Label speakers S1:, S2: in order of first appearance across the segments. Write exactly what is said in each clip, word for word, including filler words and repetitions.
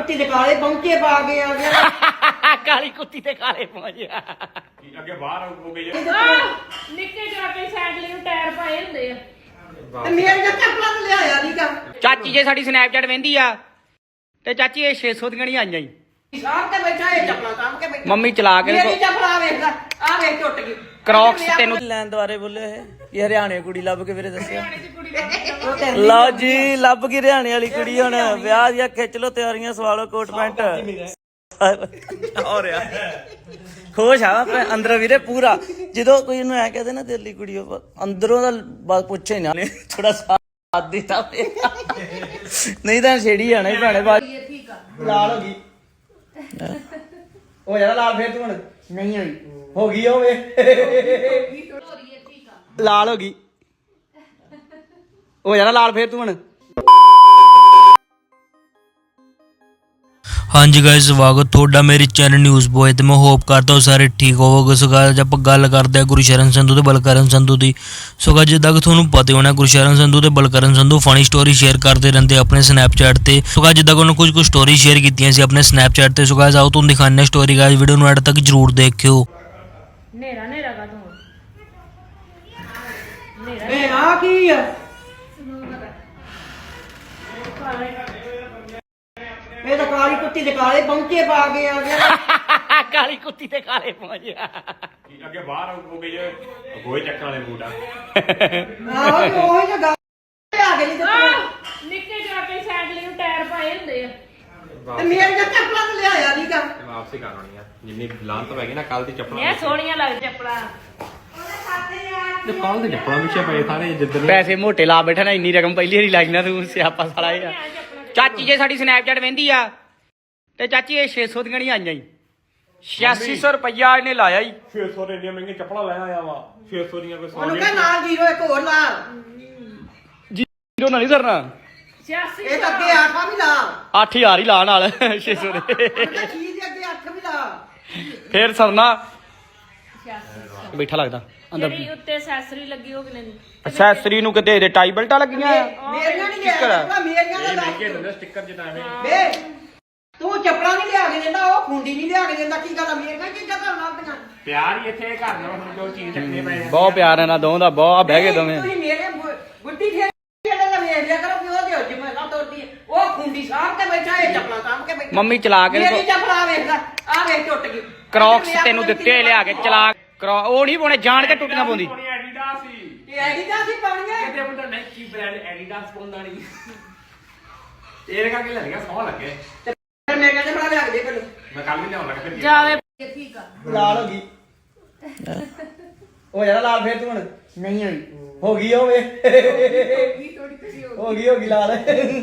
S1: ਕੁੱਤੀ ਦੇ ਕਾਲੇ ਪਹੁੰਚੇ ਪਾ ਕੇ ਆ ਗਿਆ
S2: ਕਾਲੀ ਕੁੱਤੀ ਤੇ ਕਾਲੇ ਪਹੁੰਚਿਆ
S3: ਅੱਗੇ ਬਾਹਰ ਹੋ ਗਈ
S4: ਨਿੱਕੇ ਜਵਾਕੇ ਸਾਈਕਲ ਨੂੰ ਟਾਇਰ ਪਾਏ ਹੁੰਦੇ ਆ
S1: ਤੇ ਮੇਰੀਆਂ ਚੱਪਲਾਂ ਤੇ ਲਿਆਇਆ ਨੀਗਾ
S2: ਚਾਚੀ ਜੇ ਸਾਡੀ ਸਨੈਪਚੈਟ ਵਹਿੰਦੀ ਆ ਤੇ ਚਾਚੀ ਇਹ ਛੇ ਸੌ ਦੀਆਂ ਨਹੀਂ ਆਈਆਂ ਜੀ
S1: ਸਾਹਮ ਤੇ ਬੈਠਾ ਇਹ ਚੱਪਲਾਂ ਸਾਹਮ ਕੇ ਬੈਠਾ
S2: ਮੰਮੀ ਚਲਾ ਕੇ
S1: ਮੇਰੀ ਚੱਪਲਾਂ ਆ ਵੇਖਦਾ ਆ ਵੇਖ ਟੁੱਟ ਗਈ
S2: ਕ੍ਰੌਕਸ ਤੈਨੂੰ
S5: ਲੈਣ ਦੁਆਰੇ ਬੋਲੇ ਇਹ ਹਰਿਆਣੇ ਕੁੜੀ ਲੱਭ ਕੇ ਵੀਰੇ ਦੱਸਿਆ ਲਓ ਜੀ ਲੱਭ ਗਈ ਹਰਿਆਣੇ ਵਾਲੀ ਕੁੜੀ ਹੁਣ ਵਿਆਹ ਦੀਆਂ ਖਿੱਚ ਲੋ ਤਿਆਰੀਆਂ ਸਵਾਲੋ ਕੋਟ ਪੈਂਟ ਹੋ ਰਿਹਾ ਖੁਸ਼ ਆ ਮੈਂ ਅੰਦਰ ਵੀਰੇ ਪੂਰਾ ਜਦੋਂ ਕੋਈ ਇਹਨੂੰ ਐ ਕਹਦੇ ਨਾ ਦਿੱਲੀ ਕੁੜੀ ਉਹ ਅੰਦਰੋਂ ਦਾ ਬਸ ਪੁੱਛੇ ਨਾ ਥੋੜਾ ਸਾਥ ਦਿੱਤਾ ਨਹੀਂ ਤਾਂ ਛੇੜੀ ਜਾਣਾ ਹੀ ਭੈਣੇ ਬਾਅਦ
S1: ਲਾਲ ਹੋ ਗਈ
S5: ਹੋ ਜਾਣਾ ਲਾਲ ਫੇਰ ਤੂੰ ਹੁਣ
S1: ਨਹੀਂ ਹੋਈ
S5: ਹੋ ਗਈ ਹੋਵੇ
S2: ਲਾਲ ਹੋ ਗਈ ਹੋ ਜਾਣਾ ਲਾਲ ਫੇਰ ਤੂੰ ਹੁਣ
S6: ਹਾਂਜੀ ਗਾਇਸ ਸਵਾਗਤ ਤੁਹਾਡਾ ਮੇਰੇ ਚੈਨਲ ਨਿਊਜ਼ ਬੋਏ ਤੇ ਮੈਂ ਹੋਪ ਕਰਦਾ ਹਾਂ ਸਾਰੇ ਠੀਕ ਹੋਵੋਗੇ। ਸੋ ਗਾਇਸ ਆਪਾਂ ਗੱਲ ਕਰਦੇ ਹਾਂ ਗੁਰਸ਼ਰਨ ਸੰਧੂ ਤੇ ਬਲਕਰਨ ਸੰਧੂ ਦੀ। ਸੋ ਗਾਇਸ ਜਿੱਦਾਂ ਕਿ ਤੁਹਾਨੂੰ ਪਤਾ ਹੋਣਾ ਗੁਰਸ਼ਰਨ ਸੰਧੂ ਤੇ Balkaran Sandhu funny story share ਕਰਦੇ ਰਹਿੰਦੇ ਆਪਣੇ ਸਨੈਪਚੈਟ ਤੇ। ਸੋ ਗਾਇਸ ਜਿੱਦਾਂ ਕਿ ਉਹਨਾਂ ਕੁਝ ਕੁ ਸਟੋਰੀ ਸ਼ੇਅਰ ਕੀਤੀਆਂ ਸੀ ਆਪਣੇ ਸਨੈਪਚੈਟ ਤੇ। ਸੋ ਗਾਇਸ ਆਓ ਤੁਹਾਨੂੰ ਦਿਖਾਉਂਦੇ ਹਾਂ ਸਟੋਰੀ। ਗਾਇਸ ਵੀਡੀਓ ਨੂੰ ਐਡ ਤੱਕ ਜਰੂਰ ਦੇਖਿਓ।
S4: ਨੇਰਾ ਨੇਰਾ ਕਾ ਤੂੰ
S1: ਇਹ ਆ ਕੀ ਆ ਇਹ ਤਾਂ ਕਾਲੀ ਕੁੱਤੀ ਦੇ ਕਾਲੇ ਪਹੁੰਚੇ ਪਾ ਕੇ ਆ ਗਿਆ
S2: ਕਾਲੀ ਕੁੱਤੀ ਤੇ ਕਾਲੇ ਪਹੁੰਚਿਆ
S3: ਅੱਗੇ ਬਾਹਰ ਹੋ ਗਈ ਗੋਏ ਚੱਕਣ ਵਾਲੇ ਬੂਟ ਆ
S1: ਆਹੋ ਉਹ ਹੀ ਗੱਲ ਆ ਗਈ ਤੇ
S4: ਨਿੱਕੇ ਜਵਾਕੇ ਸਾਈਕਲ ਨੂੰ ਟਾਇਰ ਪਾਏ ਹੁੰਦੇ ਆ
S1: ਤੇ ਮੇਰੀਆਂ ਚੱਪਲਾਂ ਤੇ ਲਿਆਇਆ ਨੀਗਾ
S3: ਵਾਪਸੀ ਕਰ ਆਉਣੀ ਆ ਜਿੰਨੀ ਲਾਂਤ ਪੈ ਗਈ ਨਾ ਕੱਲ ਦੀ ਚੱਪਲਾਂ
S4: ਇਹ ਸੋਹਣੀਆਂ ਲੱਗ ਚੱਪਲਾਂ
S3: ਤੇ ਕੱਲ ਦੀ ਚੱਪਲਾਂ ਪਿੱਛੇ ਪਏ ਸਾਰੇ ਜਿੱਦਣ
S2: ਪੈਸੇ ਮੋਟੇ ਲਾ ਬੈਠਾ ਨਾ ਇੰਨੀ ਰਕਮ ਪਹਿਲੀ ਵਾਰੀ ਲਾਈ ਨਾ ਤੂੰ ਸਿਆਪਾ ਸਾਲਾ ਇਹ ਆ ਚਾਚੀ ਜੇ ਸਾਡੀ ਸਨੈਪਚੈਟ ਵਹਿੰਦੀ ਆ ਤੇ ਚਾਚੀ ਇਹ ਛੇ ਸੌ ਦੀਆਂ ਨਹੀਂ ਆਈਆਂ ਜੀ ਛਿਆਸੀ ਸੌ ਰੁਪਈਆ ਇਹਨੇ ਲਾਇਆ ਜੀ
S3: ਛੇ ਸੌ ਦੇ ਇੰਨੀਆਂ ਮਹਿੰਗੀਆਂ ਚੱਪਲਾਂ ਲੈ ਆਇਆ ਵਾ ਛੇ ਸੌ ਦੀਆਂ ਕੋਈ ਸੌ
S1: ਉਹਨੂੰ ਕਹ ਨਾਲ ਜੀਰੋ ਇੱਕ ਹੋਰ ਲਾ
S2: ਜੀਰੋ ਨਾਲ ਨਹੀਂ ਕਰਨਾ
S4: ਛਿਆਸੀ
S1: ਇਹ ਤਾਂ ਅੱਗੇ ਆਠਾ ਵੀ ਲਾ
S2: ਅੱਠ ਹਜ਼ਾਰ ਹੀ ਲਾ ਨਾਲ ਛੇ ਸੌ ਦੇ
S1: ਉਹਦਾ ਚੀਜ਼ ਦੇ ਅੱਗੇ ਅੱਠ ਵੀ ਲਾ
S2: ਫੇਰ ਸਰਨਾ ਬੈਠਾ ਲੱਗਦਾ ਅੰਦਰ
S4: ਜਿਹੜੀ ਉੱਤੇ ਐਕਸੈਸਰੀ ਲੱਗੀ ਉਹ ਕਿੰਨੇ ਦੀ
S2: ਅਸੈਸਰੀ ਨੂੰ ਕਿਤੇ ਇਹਦੇ ਟਾਈ ਬਲਟਾਂ ਲੱਗੀਆਂ ਆ
S1: ਮੇਰੀਆਂ ਨਹੀਂ
S2: ਸਟਿੱਕਰ ਆ।
S1: ਲਿਆ ਮੇਰੀਆਂ ਦਾ
S3: ਮਹਿੰਗੇ
S1: ਲਾ
S3: ਦਿੰਦੇ ਸਟicker ਜਿਹਾ ਐਵੇਂ
S1: ਵੇ ਤੂੰ ਚੱਪਲਾਂ ਨਹੀਂ ਲਿਆ ਕੇ ਦਿੰਦਾ ਉਹ ਖੁੰਡੀ ਨਹੀਂ ਲਿਆ ਕੇ ਦਿੰਦਾ ਕੀ ਗੱਲ ਆ ਮੇਰੀਆਂ ਕੀ ਜਗ੍ਹਾ ਲੱਭਦੀਆਂ
S3: ਪਿਆਰ ਹੀ ਇੱਥੇ ਘਰ ਨਾਲ ਹੁਣ ਜੋ ਚੀਜ਼ ਚੱਕਣੇ ਪਏ ਆ।
S2: ਬਹੁਤ ਪਿਆਰ ਇਹਨਾਂ ਦੋਵਾਂ ਦਾ ਬਹੁਤ ਬਹਿ ਗਏ ਦੋਵੇਂ
S1: ਤੁਸੀਂ ਮੇਰੇ ਗੁੱਡੀ ਫੇਰ ਜਿਹੜਾ ਦਾ ਵੇਖ ਲਿਆ ਕਰੋ ਕਿ ਉਹਦੇ ਉੱਜ ਮੈਂ ਨਾ ਤੋੜਦੀ ਉਹ ਖੁੰਡੀ ਸਾਹਮ ਤੇ ਬੈਠਾ ਇਹ ਚੱਪਲਾਂ ਸਾਹਮ ਕੇ ਬੈਠਾ
S2: ਮੰਮੀ ਚਲਾ ਕੇ
S1: ਮੇਰੀ ਚੱਪਲਾਂ ਵੇਖਦਾ ਆ ਵੇਖ ਟੁੱਟ ਗਈ
S2: ਕ੍ਰੌਕਸ ਤੈਨੂੰ ਦਿੱਤੇ ਲਿਆ ਕੇ ਚਲਾ ਕਰੋ ਉਹ ਨਹੀਂ ਪਾਉਣੇ ਜਾਣ ਕੇ ਟੁੱਟੀਆਂ ਪਾਉਂਦੀ
S3: ਸੋਹਣੀ ਐਡੀਡਾਸ ਸੀ
S1: ਇਹ ਐਡੀਡਾਸ ਹੀ ਪਾਉਣੀਆਂ
S3: ਕਿਤੇ ਬੰਦਾ ਨਾਈਕੀ ਬ੍ਰਾਂਡ ਐਡੀਡਾਸ ਪਾਉਂਦਾ ਨਹੀਂ ਇਹਦੇ ਕਰਕੇ ਲੈ ਲਿਆ ਸੋਹਣਾ ਲੱਗੇ
S1: ਫਿਰ ਮੇਰੇ ਕਹਿੰਦੇ ਬਣਾ ਲਿਆ ਕੇ ਦੇ ਫਿਰ
S3: ਮੈਂ ਕੱਲ ਵੀ ਲਿਆਉਣ ਲੱਗਾ ਫਿਰ
S4: ਜਾਵੇ ਠੀਕ ਆ
S5: ਲਾਲ ਹੋ ਗਈ ਹੋ ਜਾਣਾ ਲਾਲ ਫੇਰ ਤੂੰ ਹੁਣ
S1: ਨਹੀਂ ਹੋਈ
S5: ਹੋ ਗਈ ਹੋਵੇ ਹੋ ਗਈ ਹੋ ਗਈ ਲਾਲ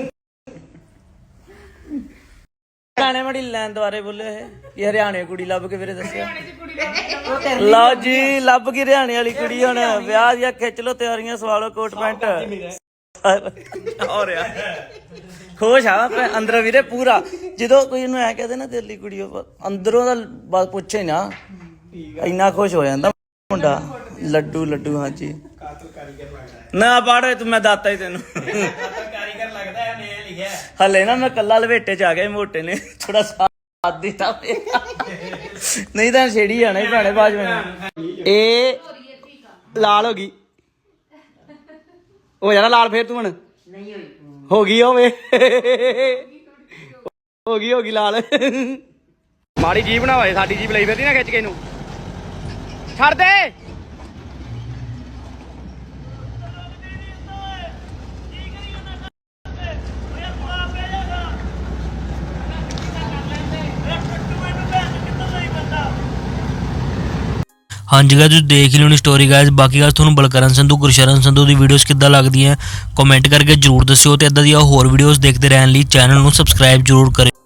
S5: ਹਰਿਆਣੇ ਵਾਲੀ ਲੈਣ ਦੁਆਰੇ ਬੋਲੇ ਇਹ ਹਰਿਆਣੇ ਕੁੜੀ ਲੱਭ ਕੇ ਵੀਰੇ ਦੱਸਿਆ ਲਓ ਜੀ ਲੱਭ ਗਈ ਹਰਿਆਣੇ ਵਾਲੀ ਕੁੜੀ ਹੁਣ ਵਿਆਹ ਦੀਆਂ ਖਿੱਚ ਲੋ ਤਿਆਰੀਆਂ ਸਵਾਲੋ ਕੋਟ ਪੈਂਟ ਹੋ ਰਿਹਾ ਖੁਸ਼ ਆ ਮੈਂ ਅੰਦਰ ਵੀਰੇ ਪੂਰਾ ਜਦੋਂ ਕੋਈ ਇਹਨੂੰ ਐ ਕਹਦੇ ਨਾ ਦਿੱਲੀ ਕੁੜੀ ਉਹ ਅੰਦਰੋਂ ਦਾ ਬਸ ਪੁੱਛੇ ਨਾ ਇੰਨਾ ਖੁਸ਼ ਹੋ ਜਾਂਦਾ ਮੁੰਡਾ ਲੱਡੂ ਲੱਡੂ ਹਾਂਜੀ ਨਾ ਪਾੜੋ ਤੂੰ ਮੈਂ ਦਾਤਾ ਹੀ ਤੈਨੂੰ ਕਾਰੀਗਰ ਲੱਗਦਾ ਹੈ ਨੇ ਲਿਖਿਆ ਹਲੇ ਨਾ ਮੈਂ ਕੱਲਾ ਲਵੇਟੇ ਚ ਆ ਗਿਆ ਮੋਟੇ ਨੇ ਥੋੜਾ ਸਾਥ ਦਿੱਤਾ ਨਹੀਂ ਤਾਂ ਛੇੜੀ ਜਾਣਾ ਹੀ ਭੈਣੇ ਬਾਜ ਮੈਨੂੰ
S2: ਇਹ ਲਾਲ ਹੋ ਗਈ ਹੋ ਜਾਣਾ ਲਾਲ ਫੇਰ ਤੂੰ ਹੁਣ
S1: ਨਹੀਂ ਹੋਈ
S2: ਹੋ ਗਈ ਹੋਵੇ ਹੋ ਗਈ ਹੋ ਗਈ ਲਾਲ ਮਾੜੀ ਜੀਬ ਨਾ ਹੋਏ ਸਾਡੀ ਜੀਬ ਲਈ ਫਿਰਦੀ ਨਾ ਖਿੱਚ ਕੇ ਇਹਨੂੰ ਛੱਡ ਦੇ
S6: ਹਾਂਜੀ ਗਾਇਸ ਤੁਸੀਂ ਦੇਖ ਲਿਓ ਨੀ ਸਟੋਰੀ ਗਾਇਸ। ਬਾਕੀ ਗਾਇਸ ਤੁਹਾਨੂੰ ਬਲਕਰਨ ਸੰਧੂ ਗੁਰਸ਼ਰਨ ਸੰਧੂ ਦੀ ਵੀਡੀਓਜ਼ ਕਿੱਦਾਂ ਲੱਗਦੀਆਂ ਕਮੈਂਟ ਕਰਕੇ ਜਰੂਰ ਦੱਸਿਓ ਤੇ ਇਦਾਂ ਦੀਆਂ ਹੋਰ ਵੀਡੀਓਜ਼ ਦੇਖਦੇ ਰਹਿਣ ਲਈ ਚੈਨਲ ਨੂੰ ਸਬਸਕ੍ਰਾਈਬ ਜਰੂਰ ਕਰਿਓ।